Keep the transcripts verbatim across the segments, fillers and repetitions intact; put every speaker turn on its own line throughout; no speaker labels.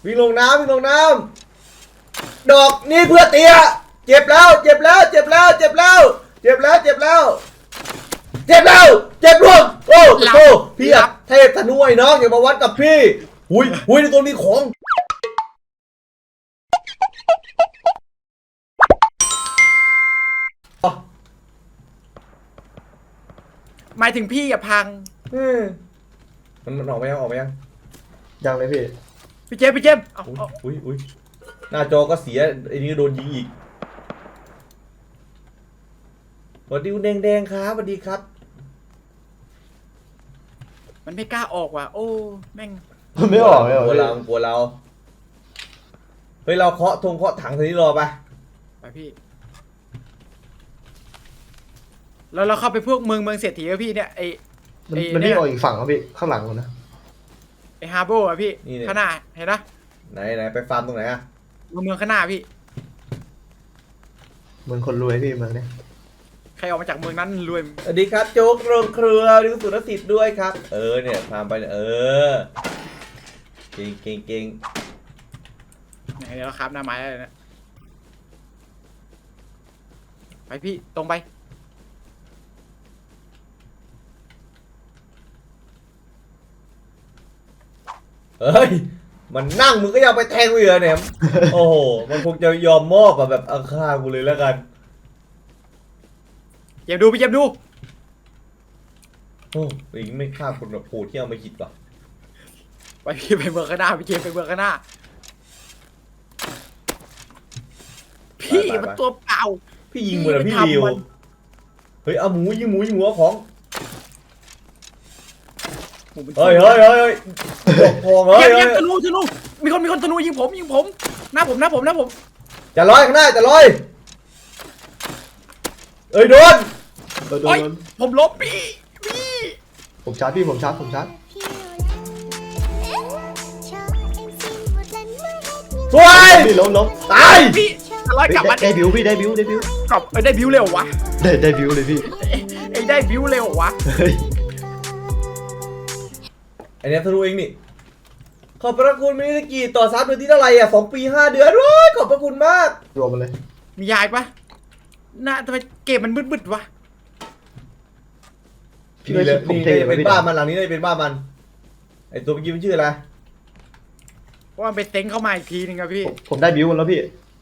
วิ่งลงน้ำวิ่งลงน้ำดอกนี่เพื่อเตี้ยเจ็บแล้วเจ็บแล้วเจ็บแล้วเจ็บแล้วเจ็บแล้วเจ็บแล้วเจ็บแล้วเจ็บร่วงโอ้โหพี่อะเทพธนูไอ้น้องอย่ามาวัดกับพี่หุยหุยในตัวมีของ
หมายถึงพี่อย่าพัง
มันมันออกไปยังออกไปยัง
ยังเลยพี่
พี่เจมส์พี่เจมส์เอาเอา
อุ้ยอุ้ยหน้าจอก็เสียไอ้นี่โดนยิงอีกสวัสดีคุณแดงแดงครับสวัสดีครับ
มันไม่กล้าออกว่ะโอ้แม่ง
มันไม่ออกไม่ออก
กลัว
พี่
เรากลัวเราเฮ้ยเราเคาะธงเคาะถังทีนี้รอไป
ไปพี่แล้วเราเข้าไปพวกเมืองเมืองเศรษฐีอะพี่เนี่ยไอ
มัน
ไอ้
มัน
เนี่
ไม่
ย
ออกอีกฝั่งครับพี่ข้างหลังมันนะ
ไอฮาร์โบอะพี่ข้างหน้าเห็นนะ
ไหนไหนไปฟาร์มตรงไหนอะ
เมืองเมืองข้างหน้าพี่
เหมือนคนรวยพี่เมืองเนี้ย
ใครออกมาจากเมืองนั้นรวย
สวัสดีครับโจ๊กโรงเครือดิวสุรสิทธิ์ด้วยครับเออเนี่ยฟาร์มไปเนี่ยเออเก่งเก่งเก่ง
ไหนเดี๋ยวเราครับหน้าไม้อะไรนะไปพี่ตรงไป
เฮ้ยมันนั่งมึงก็ยังไปแทงกูเหรอเนี่ยโอ้โหมันคงจะยอมมอบอะแบบเอาฆ่ากูเลยแล้วกัน
เจมส์ดูพี่เจมส์ดู
โอ้ยไม่ฆ่าคนแบบโหดที่เอามาคิดว่ะ
ไปพี่ไปเมืองข้างหน้าพี่เจมส์ไปเมืองข้างหน้าพี่มันตัวเปล่า
พี่ยิงเหมือนพี่ริวเฮ้ยเอาหมูยิงหมูยิงหัวของเฮ้ยเฮ้ยเฮ้ยเฮ้ยพองเฮ้ย
เจมส์ธนูธนูมีคนมีคนธนูยิงผมยิงผมหน้าผมหน้าผมหน้าผม
จะลอยข้างหน้าจะลอยเอ้ยโดน
โดนโด
โอ้ย
น
ผมลบพี่พี่
ผมชาร์จพี่ผมชาร์จผมชาร์จ
สวย
พี่ล้มล้ม
ตาย
พี่อะไร
เฮ้ย
กลับมา
ได้ได้บิวพี่ได้บิวได้บิว
กลับเอ้ยได้บิวเร็ววะ
ได้ได้บิวเลยพี่
ไอ้ได้บิวเร็ววะ
เฮ้ย
ไอเนี้ยทะลุเองนี่ขอบพระคุณมินิสกีต่อซับเดือนที่เท่าไหร่อ่ะสองปีห้าเดือนโอ้ยขอบพระคุณมาก
รวมมาเลย
มียายปะน่าทำไมเกมมันมืดๆวะ
พี่
นี่
ไม่
เลย
ผม
นี่
เท
จะ
ไว้
เป็น
พี่
บ้านมันหลังนี้เลยเป็นบ้านมันไอตัวเมื่อกี้มันชื่ออะไร
เพราะมันไปเต็งเข้ามาอีกทีนึงอะพี่
ผมผมได้บิวมันแล้วพี่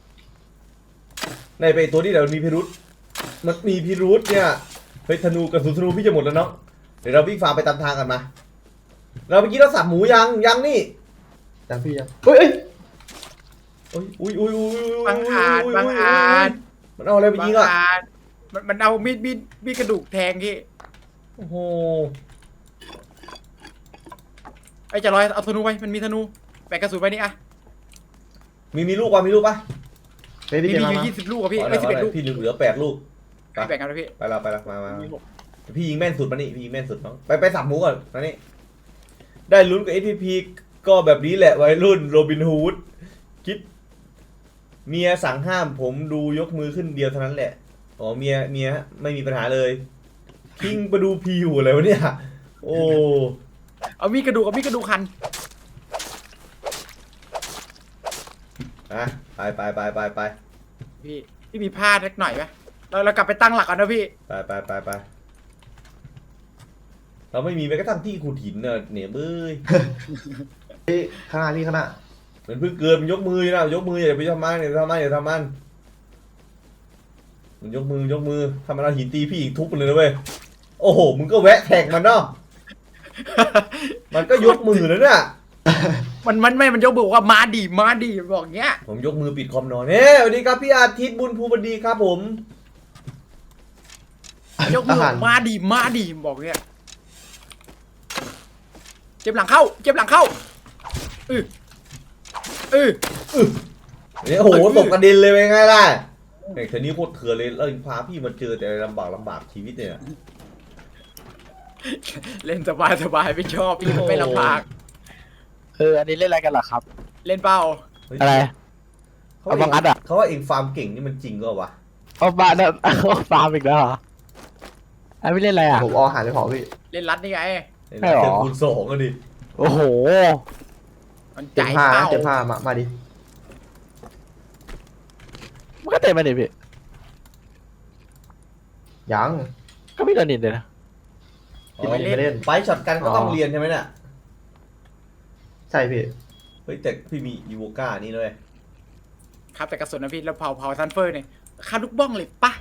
ในไปตัวนี้เดี๋ยวมีพิรุษมันมีพิรุษเนี่ยเฮ้ยธนูกระสุนธนูพี่จะหมดแล้วเนาะเดี๋ยวเราวิ่งฝ่าไปตามทางกันมาเราเมื่อกี้เราสับหมูยังยังนี่
ยังพี่ยังเฮ้ยเอ้ย
อุ้ยอุ้ยอุ้ยอุ้ย
บางอาจบางอาจ
มันเอาอะไรไปยิงอ่ะ
บาอาจมันมันเอามีดมีดมีดกระดูกแทงพี่
โอ้โห
ไอ้จะลอยเอาธนูไปมันมีธนูแบกกระสุนไปนี่อะ
มีมีลูกป่ะมีลูกป่ะ
เฮ้ย
มี
พี่เจ
มี
มา
อยู่
มา
ยี่สิบลูกอะพี่
เอา
ไม่
ละ
สิบ
เอา
เอ็ด
ละ
ลูก
พี่เหลือแปดลูก
พี่แบ่งกันนะพี่
ไปละไปละมามา
มีหก
พี่ยิงแม่นสุดมานี่พี่ยิงแม่นสุดน้องไปไปสับหมูก่อนมานี่ได้ลุ้นกับ เอ พี พี ก็แบบนี้แหละวัยรุ่นโรบินฮูดคิดเมียสั่งห้ามผมดูยกมือขึ้นเดียวเท่านั้นแหละอ๋อเมียเมียไม่มีปัญหาเลยคิงประดูพีอยู่อะไรวะเนี่ยโอ้
เอามีดกระดูกเอามีดกระดูกคัน
อะไปไปไปไปไป
พี่พี่มีผ้าเล็กหน่อยไหมเราเรากลับไปตั้งหลักกันนะพี่
ไปไปไปไปเราไม่มีแม้กระทั่งที่ขุดหินเนอะเนี่ยเบ้ย
พี่ข้างหน้าพี่ข้างหน้า
มันเพิ่งเกินมันยกมือนะยกมืออย่าไปทำมันอย่าไปทำมันอย่าทำมันมันยกมือยกมือทำมันเอาหินตีพี่อีกทุบมันเลยนะเว้ยโอ้โหมึงก็แวะแท็กมันเนาะมันก็ยกมือแล้วเนี่ย
มันมันไม่มันยกบอกว่ามาดีมาดีบอกเงี้ย
ผมยกมือปิดคอมนอนเฮ้สวัสดีครับพี่อาทิตย์บุญภูมิดีครับผม
ยกมือบอกมาดีมาดีบอกเงี้ยเจ็บหลังเข้าเจ็บหลังเข้าเออเออ
เนี่ยโอ้โหตกกระเด็นเลยเป็นไงล่ะไอ้เธอนี่โคตรเถื่อนเลยแล้วพาพี่มาเจอแต่ลำบากลำบากชีวิตเนี่ย
เล่นสบายสบายไม่ชอบพี่มันไม่ลำบาก
เอออันนี้เล่นอะไรกันเหรอครับ
เล่นเป้า
อะไร
เขา
เอาบังอัดอะ
เขาว่าเองฟาร์มเก่งนี่มันจริงก็วะ
เอาบ้านเอาฟาร์มอีกแล้วเหรออันไม่เล่นอะไรอ่ะ
ผมเอาอาหารไปเผาพี่
เล่นรัดนี่ไง
เล่น
ใช่หรอ
เจอคูณสองก็ดิ
โอ้โห
มัน
เจ็
จ่า
บ
ย
ผ้า
เป้า
เจ็บผ้ามามาดิ
มันก็เตะมาดิพี่
ยัง
ก็ไม่โดนนินเลยนะ
อ๋อ
ไม่เล่น
ไฟช็อตกันก็ต้องเรียนใช่ไหมเนี่ย
ใช่พี่
เฮ้ยแต่พี่มีอีโวก้านี่เลย
ครับแต่กระสุนนะพี่แล้วเผาเผาซันเฟอร์เนี่ยฆ่าลูกบ้องเลยปะ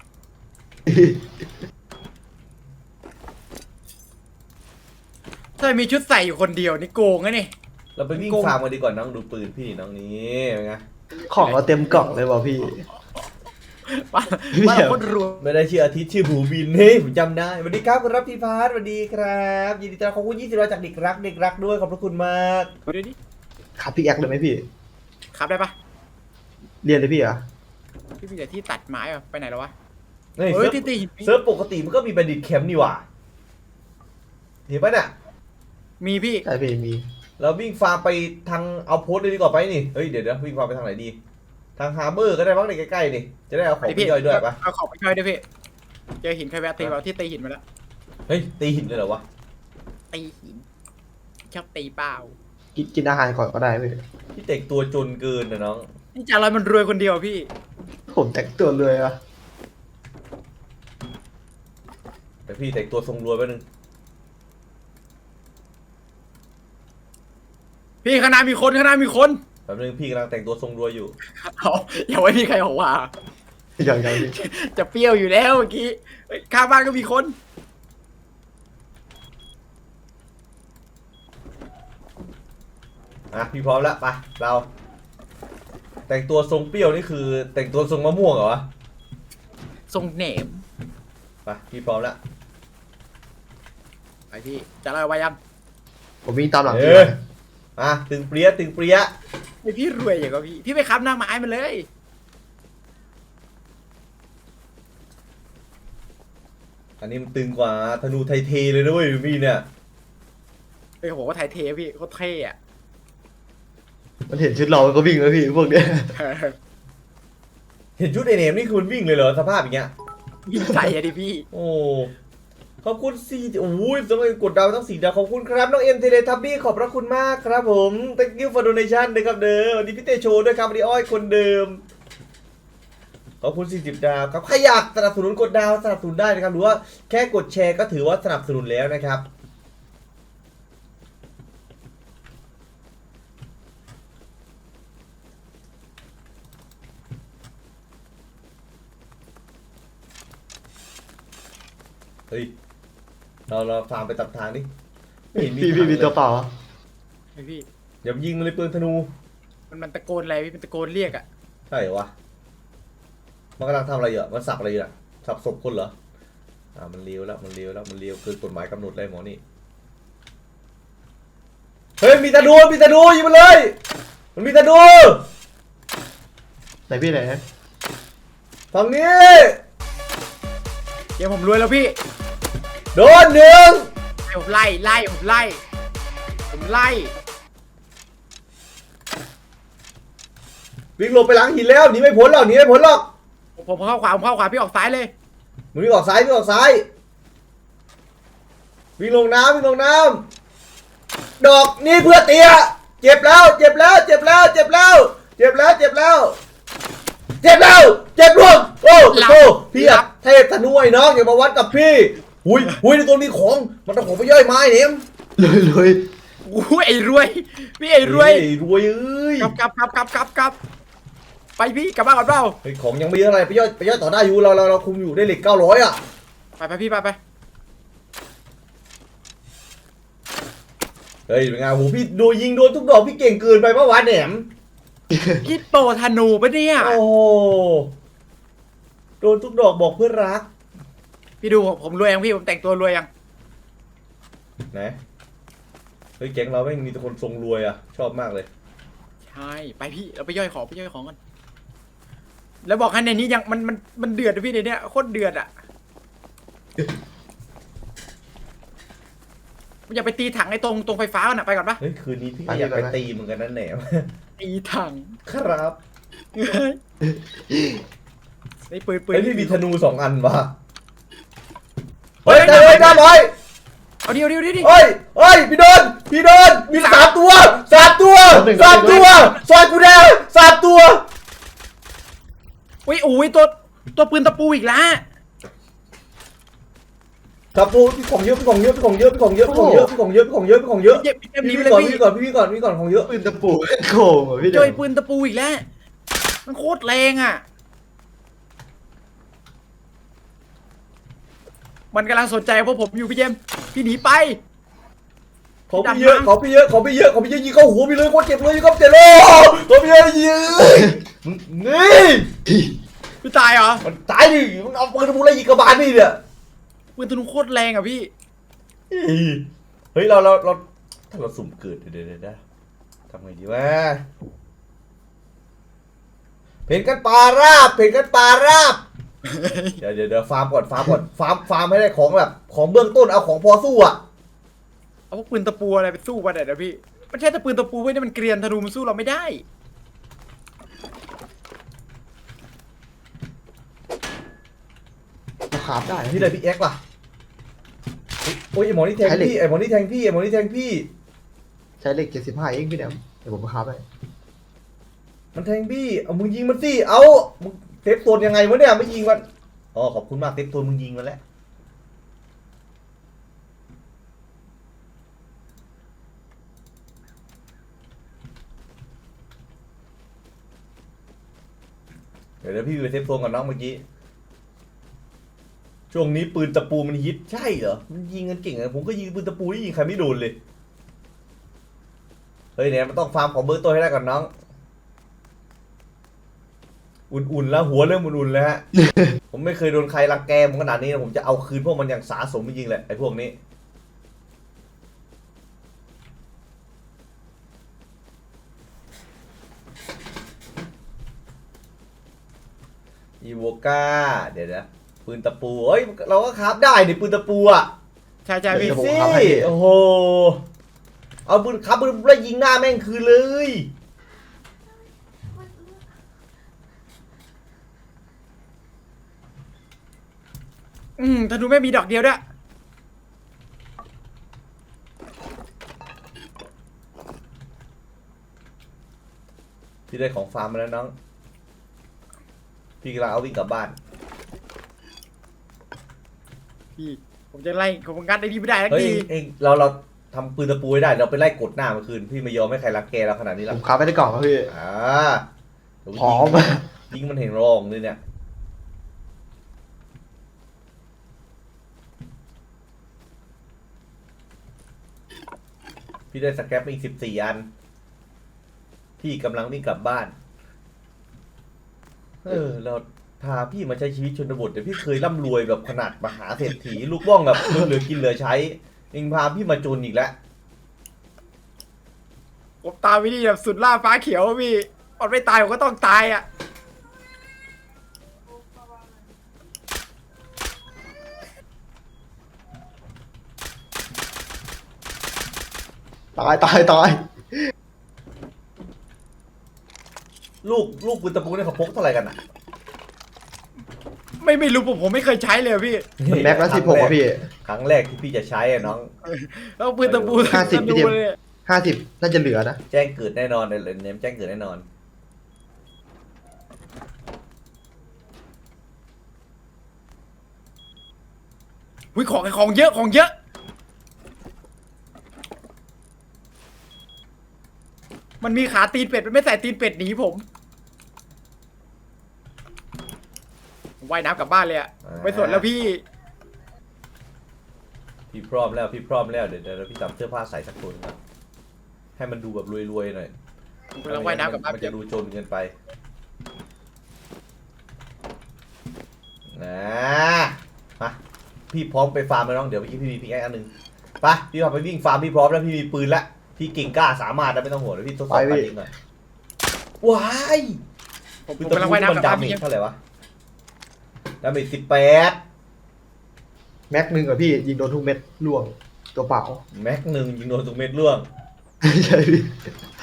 ถ้ามีชุดใส่อยู่คนเดียวนี่โกงนะนี่
เราไปวิ่ง
โกง
ฟาร์มกันดีกว่าน้องดูปืนพี่น้องนี้เป็นไง
ของเราเต็มกล่องเลยว่ะพี่
ว่าว่าเราโคนรวย
ไม่ได้ชื่ออาทิตย์ชื่อบูบินเฮ้ยผมจำได้สวัสดีครับคุณรับพี่พาร์ทสวัสดีครับยินดีต้อนรับขอบคุณยี่สิบร้อยจากเด็กรักเด็กรักด้วยขอบพระคุณมาก
ดูดิ
ขับพี่แอคเลยไหมพี่
ขับได้ปะ
เรียนเลยพี่เหรอ
พี่มีแต่ที่ตัดไม้อะไปไหนแล้ววะ
เฮ้ย
เฮ้ย
เซิร์ฟ
ที่ตีหิน
เซิร์ฟปกติมันก็มีบัณฑิตแคมป์นี่หว่าเห็นปะน่ะ
มีพี่
ใช่พี่มี
เราวิ่งฟาร์มไปทางเอาโพสต์เลยดีกว่าไปนี่เฮ้ยเดี๋ยวเดี๋ยววิ่งฟาร์มไปทางไหนดี ทางฮาร์เบอร์ก็ได้บ้างในใกล้ๆนี่จะได้เอาของไป
พี่
ย่อยด้วยปะ
เอาของไปย่อยด้วยพี่เจอหินใครแวะตีเราที่ตีหินมาแล้ว
เฮ้ยตีหินเลยเหรอวะ
ตีหินชอบตีเปล่า
กินกินอาหารก่อนก็ได้พี่
พี่เต็กตัวจนเกินนะน้อง
นี่จ่าลอยมันรวยคนเดียวพี่
ผมแต่งตัวเลยอะ
แต่พี่เต็กตัวทรงรวยแป๊บนึง
พี่ข้างหน้ามีคนข้างหน้ามีคน
แป๊บนึงพี่กำลังแต่งตัวทรงรวยอยู่
เอาอย่าไว้มีใครบอกว่า
อย่างไรพี่
จะเปรี้ยวอยู่แล้วเมื่อกี้เฮ้ยข้างบ้านก็มีคน
อ่ะพี่พร้อมแล้วไปเรา แต่งตัวทรงเปรี้ยวนี่คือ แต่งตัวทรงมะม่วงเหรอวะ
ทรงเหนม
ไปพี่พร้อมแล้ว
ไปพี่จ่าลอยไว้ยัง
ผมวิ่งตามหลัง
เอ
พี่
อ
มา
อ่ะตึงเปรี้ยตึงเปรี้ย
ไอพี่รวยอย่างกับพี่พี่ไปค้ำหน้าไม้มันเลย
อันนี้มันตึงกว่าธนูไทเทเลยด้วยพี่เนี่ย
เฮ้ยเขาบอกว่าไทยเทพี่โคตรเท่อะ
มันเห็นชุดเรามันก็วิ่งแล้วพี่พวกเนี้ย
เห็นชุดไอเนมนี่คือมันวิ่งเลยเหรอสภาพอย่างเงี้ย
วิ่งใจอะดิพี่
โอ้ขอบคุณสี่โอ้ยสมัยกดดาวทั้งสี่ดาวขอบคุณครับน้องเอ็มเทเลทับบี้ขอบพระคุณมากครับผม thank you for donation ด้วยครับเดิมวันนี้พี่เตโชด้วยครับวันนี้อ้อยคนเดิมขอบคุณสี่สิบดาวครับใครอยากสนับสนุนกดดาวสนับสนุนได้นะครับหรือว่าแค่กดแชร์ก็ถือว่าสนับสนุนแล้วนะครับเฮ้ยเราเราฟาร์มไปตัดทางดิไม่เห็นมี
พี่
ทาง
พี่มี
เลย
ตัวเปล่า
ไอพี่
อย่ายิงมันเลยปืนธนู
มันมันตะโกนอะไรพี่มันตะโกนเรียกอะ
ใช่เหรอวะ มันกำลังทำอะไรอยู่อะมันสับอะไรอยู่อะสับศพคนเหรอ อ่า มันเลี้ยวแล้ว มันเลี้ยวแล้ว มันเลี้ยวเกินกฎหมายกำหนดเลยหมอนี่ เฮ้ย มีธนู มีธนูยิงมันเลย มันมีธนู
ไหนพี่ไหน
ฝั่งนี้
เดี๋ยวผมรวยแล้วพี่
โดนหนึ่ง
ให้ผมไล่ไล่ผมไล่ผมไล่
วิ่งหลบไปหลังหินแล้วหนีไม่พ้นหรอกหนีไม่พ้นหรอก
ผมผมเข้าขวาผมเข้าขวาพี่ออกซ้ายเลย
มึงวิ่งออกซ้ายวิ่งออกซ้าย วิ่งลงน้ำวิ่งลงน้ำดอกนี่เพื่อเตียเจ็บแล้ว เจ็บแล้ว เจ็บแล้ว เจ็บแล้ว เจ็บแล้ว เจ็บแล้ว เจ็บแล้ว เจ็บร่วงโอ้โหพี่อะเทพธนูไอ้น้องอย่ามาวัดกับพี่หุยหุยในตัวนี้ของมันต้องของไปย่อยไม้เนี่ย
เลยเลย
อู้ไอ้รวยพี่ไอ้รวย
เฮ้รวยเอ้ย
กลับกลับกลับกลับกลับกลับไปพี่กลับบ้านก่อนเปล่า
เฮ้ยของยังไม่เยอะอะไรไปย่อยไปย่อยต่อได้อยู่เราเราเราคุมอยู่ได้เหล็กเก้าร้อยอ่ะ
ไปไปพี่ไปไป
เฮ้ยเป็นไงโหพี่ดูยิงโดนทุกดอกพี่เก่งเกินไปเมื่อวานแหนม
พี่โปรธนูปะเนี่ย
โอ้โหโดนทุกดอกบอกเพื่อนรัก
พี่ดูผมผมรวยยังพี่ผมแต่งตัวรวยยัง
ไหนเฮ้ยแก๊งเราไม่งมีแต่คนทรงรวยอ่ะชอบมากเลย
ใช่ไปพี่เราไปย่อยของไปย่อยของกันแล้วบอกให้ในนี้ยังมันมันมันเดือดนะพี่ในเนี้ยโคตรเดือดอ่ะอย่าไปตีถังไอ้ตรงตรงไฟฟ้าน่ะไปก่อนปะ
เฮ้ยคืนนี้พี่ก็อยากไปตีเหมือนกันนั่นแหนม
ตีถัง
ครับ
ไอ้ปืนปืน
เฮ้ยพี่มีธนูสองอันวะเฮ้ยได้เลยได้เลย
เอาเดียวเดียวเดียวดิ
เฮ้ยเฮ้ยพี่โดนพี่โดนมีสามตัวสามตัวสามตัวซอยกูแดงสามตัว
อุ้ยโอ้ยตัวตัวปืนตะปูอีกแล้ว
ตะปูพี่ของเยอะพี่ของเยอะพี่ของเยอะพี่ของเยอะพี่ของเยอะพี่ของเยอะพี่ของเยอะพี่ของเยอะ
เจ็บเจ็บหนี
พี่
ไปเลย
ก่อน
พี่
พี่ก่อนพี่ก่อนพี่ก่อนของเยอะ
ปืนตะปูโกงเหรอพี่
เจ
เดี๋ยว
อปืนตะปูอีกแล้วมันโคตรแรงอ่ะมันกำลังสนใจพวกผมอยู่พี่เจมส์พี่หนีไป
ของพี่เยอะของพี่เยอะของพี่เยอะของพี่เยอะยิงเข้าหัวพี่เลยโคตรเจ็บเลยยิงเข้าเจ็บเลยของพี่เยอะยิงนี่
พี่ตายเหรอ
มันตายดิมันเอาปืนตะปูอะไรยิงกระบาลพี่เนี่ย
ปืนธนูโคตรแรงอ่ะพี่
เฮ้ยเราเราเราถ้าเราสุ่มเกิดเดี๋ยวเดี๋ยวเดี๋ยวทำไงดีวะเพนกันปลาราบเพนกันปลาราบเดี๋ยวเดี๋ยวเดี๋ยวฟาร์มก่อนฟาร์มก่อนฟาร์มฟาร์มให้ได้ของแบบของเบื้องต้นเอาของพอสู้อ่ะ
เอาพวกปืนตะปูอะไรไปสู้มันเดี๋ยวพี่มันใช่แต่ปืนตะปูไว้เนี่ยมันเกรียนธนูมันสู้เราไม่ได้
ราคาได้
พี่เลยพี่เอ็กซ์ล่ะโอ้ยไอหมอนี่แทงพี่ไอหมอนี่แทงพี่ไอหมอนี่แทงพี่
ใช้เหล็กเจ็ดสิบห้าเองพี่เดี๋ยวเดี๋ยวผมราคาไป
มันแทงพี่เอามึงยิงมันสิเอามึงเซฟโซนยังไงวะเนี่ยไม่ยิงมันอ๋อขอบคุณมากเซฟโซนมึงยิงมันแล้วเดี๋ยวเดี๋ยวพี่ไปเซฟโซนก่อนน้องเมื่อกี้ช่วงนี้ปืนตะปูมันฮิตใช่เหรอมันยิงกันเก่งอะผมก็ยิงปืนตะปูที่ยิงใครไม่โดนเลยเฮ้ยเนี่ยมันต้องฟาร์มของเบอร์ตัวให้ได้ก่อนน้องอุ่นๆแล้วหัวเริ่มอุ่นๆแล้วฮะ ผมไม่เคยโดนใครรังแกผมขนาดนี้นะผมจะเอาคืนพวกมันอย่างสาสมจริงๆแหละไอ้พวกนี้อีโวก้าเดี๋ยวนะปืนตะปูเอ้ยเราก็คราฟได้นี่ปืนตะปูอ่ะ
ใช่ใช่
พี่
พี่
สิโอ้โหเอาปืนคราฟปืนแล้วยิงหน้าแม่งคืนเลย
อืมธนูไม่มีดอกเดียวด้วย
พี่ได้ของฟาร์มมาแล้วน้องพี่กำลังเอาวิ่งกลับบ้าน
พี่ผมจะไล่ผมงัดไอ้นี่ไม่ได้ทัก
เฮ้ย
ที
เองเราเราทำปืนตะปูไว้ได้เราไปไล่กดหน้ามันคืนพี่ไม่ยอมให้ใครรักแกเราขนาดนี้หร
ผ
อก
มค้าไปได้กล่องครับพี่
อ่าเดี๋ยว
พร้อม
ยิงมันเห็นรองเลยเนี่ยพี่ได้สแครปมาอีกสิบสี่อันพี่กำลังวิ่งกลับบ้านเออเราพาพี่มาใช้ชีวิตชนบทแต่พี่เคยร่ำรวยแบบขนาดมหาเศรษฐีลูกบ้องแบบเหลือกินเหลือใช้เองพาพี่มาจนอีกแล้ว
ผมตามวิธีแบบสุดล่าฟ้าเขียวอะพี่มันไม่ตายผมก็ต้องตายอ่ะ
ตายตายตาย
ลูกลูกปืนตะปูเนี่ยเขาพกเท่าไหร่กันอ่ะ
ไม่ไม่รู้ผมผมไม่เคยใช้เลยอะพี่
มันแม็กละสิบหกอ่ะพี่
ครั้งแรกที่พี่จะใช้อะน้อง
แล้วปืนตะปู
ห้าสิบ
ธนู
พี่เจมส์
เลย
ห้าสิบน่าจะเหลือนะ
แจ้งเกิดแน่นอนเลยเนมแจ้งเกิดแน่นอน
อุ้ยของของเยอะของเยอะ มันมีขาตีนเป็ดมันไม่ใส่ตีนเป็ดหนีผมผมว่ายน้ำกลับบ้านเลยอะไม่สนแล้วพี่
พี่พร้อมแล้วพี่พร้อมแล้วเดี๋ยวเดี๋ยวพี่จับเสื้อผ้าใส่สักตัวหนึงก่อนให้มันดูแบบรวยๆหน่อย
ผมกำลังว่ายน้ำกลับบ้าน
มันจะดูจนเกินไปนะมาพี่พร้อมไปฟาร์มแล้วน้องเดี๋ยวเมื่อกี้พี่มีพิกแอคอันหนึ่งไปพี่พาไปวิ่งฟาร์มพี่พร้อมแล้วพี่มีปืนละพี่เก่งกล้าสามารถนะไม่ต้องห่วงเดี๋ยวพี่ทดสอบการยิงหน่อยว้าย
ผม
ปืน
ผม
ตะ
กำลัง
ปู
ว่าย
ที่มัน
น้ำกลับบ้าน
ดาเม
พี่
จ
ยัง
เท่าไหร่วะดาเมจสิบแปด
แม็กหนึ่งอ่ะพี่ยิงโดนทุกเม็ดล่วงตัวเปล่า
แม็กหนึ่งยิงโดนทุกเม็ดร่วง
ใช่พี่